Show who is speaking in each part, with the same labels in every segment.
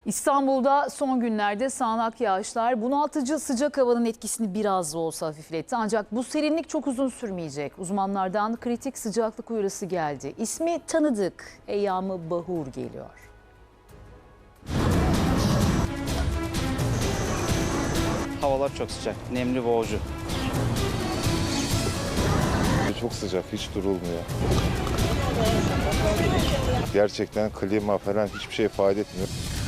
Speaker 1: İstanbul'da son günlerde sağanak yağışlar bunaltıcı sıcak havanın etkisini biraz da olsa hafifletti. Ancak bu serinlik çok uzun sürmeyecek. Uzmanlardan kritik sıcaklık uyarısı geldi. İsmi tanıdık, Eyyam-ı Bahur geliyor.
Speaker 2: Havalar çok sıcak, nemli, boğucu.
Speaker 3: Çok sıcak, hiç durulmuyor. Gerçekten klima falan hiçbir şey ifade etmiyor.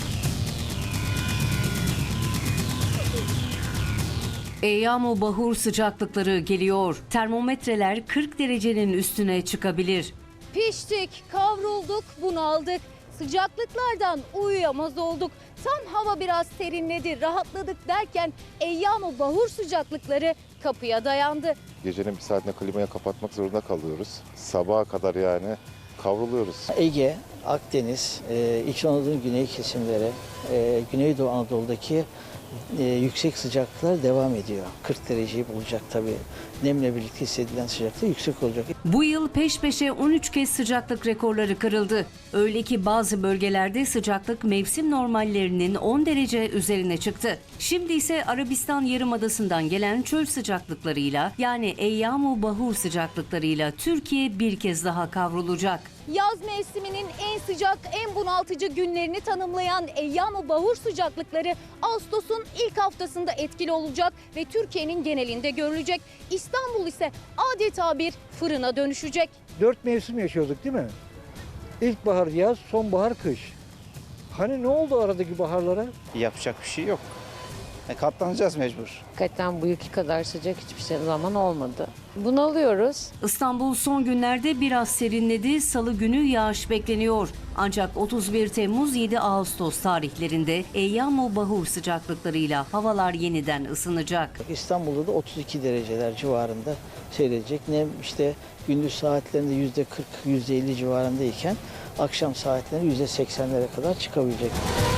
Speaker 4: Eyyam-ı Bahur sıcaklıkları geliyor. Termometreler 40 derecenin üstüne çıkabilir.
Speaker 5: Piştik, kavrulduk, bunaldık. Sıcaklıklardan uyuyamaz olduk. Tam hava biraz serinledi, rahatladık derken Eyyam-ı Bahur sıcaklıkları kapıya dayandı.
Speaker 3: Gecenin bir saatinde klimayı kapatmak zorunda kalıyoruz. Sabaha kadar yani kavruluyoruz.
Speaker 6: Ege, Akdeniz, İç Anadolu'nun güney kesimleri, Güneydoğu Anadolu'daki yüksek sıcaklıklar devam ediyor. 40 dereceyi bulacak tabii. Nemle birlikte hissedilen sıcaklık yüksek olacak.
Speaker 4: Bu yıl peş peşe 13 kez sıcaklık rekorları kırıldı. Öyle ki bazı bölgelerde sıcaklık mevsim normallerinin 10 derece üzerine çıktı. Şimdi ise Arabistan Yarımadası'ndan gelen çöl sıcaklıklarıyla yani Eyyam-ı Bahur sıcaklıklarıyla Türkiye bir kez daha kavrulacak.
Speaker 5: Yaz mevsiminin en sıcak, en bunaltıcı günlerini tanımlayan Eyyam-ı Bahur sıcaklıkları Ağustos'un ilk haftasında etkili olacak ve Türkiye'nin genelinde görülecek. İstanbul ise adeta bir fırına dönüşecek.
Speaker 7: 4 mevsim yaşıyorduk değil mi? İlkbahar yaz, sonbahar kış. Hani ne oldu aradaki baharlara?
Speaker 2: Yapacak bir şey yok. Katlanacağız mecbur.
Speaker 8: Hakikaten bu yılki kadar sıcak hiçbir zaman olmadı. Bunalıyoruz.
Speaker 4: İstanbul son günlerde biraz serinledi. Salı günü yağış bekleniyor. Ancak 31 Temmuz 7 Ağustos tarihlerinde Eyyam-ı Bahur sıcaklıklarıyla havalar yeniden ısınacak.
Speaker 6: İstanbul'da da 32 dereceler civarında seyredecek. Nem işte gündüz saatlerinde %40, %50 civarındayken akşam saatlerinde %80'lere kadar çıkabilecek.